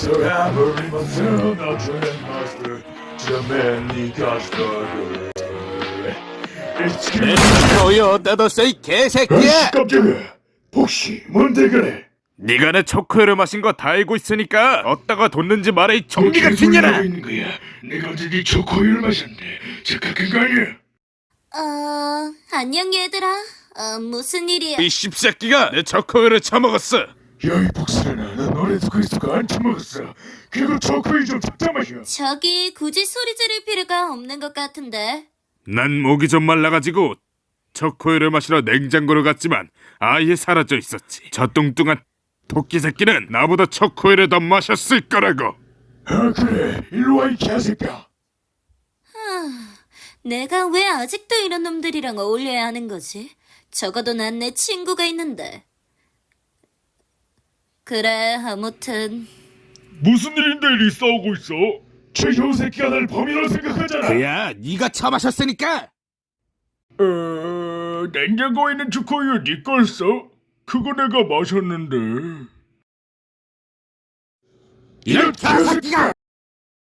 So every month I drink master to many Godfather. It's 내 killing 거의 어디다 뒀어 이 아이씨 개새끼야! 깜짝이야. 혹시 뭔데 그래? 네가 내 초코우유를 마신 거 다 알고 있으니까 어디다가 뒀는지 말해 이 뭐 좀비 같은 개소리를 하고 년아! 있는 거야? 내가 언제 네 초코우유를 마셨는데 착각한 거 아니야? 안녕 얘들아. 무슨 일이야? 이 씹새끼가 내 초코우유를 처먹었어! 야이 복수라나 난 너네도 그리스도가 안 처먹었어. 그리고 초코우유 좀 적자 마셔. 저기 굳이 소리 지를 필요가 없는 것 같은데. 난 목이 좀 말라가지고 초코우유를 마시러 냉장고로 갔지만 아예 사라져 있었지. 저 뚱뚱한 토끼 새끼는 나보다 초코우유를 더 마셨을 거라고! 아 그래 일로 와 이 개새끼야. 내가 왜 아직도 이런 놈들이랑 어울려야 하는 거지? 적어도 난 내 친구가 있는데. 그래, 아무튼. 무슨 일인데 이 싸우고 있어? 저 효새끼가 날 범인으로 생각하잖아. 그야 네가 처마셨으니까! 냉장고에 있는 초코우유 네 거였어? 그거 내가 마셨는데. 이런 개새끼가!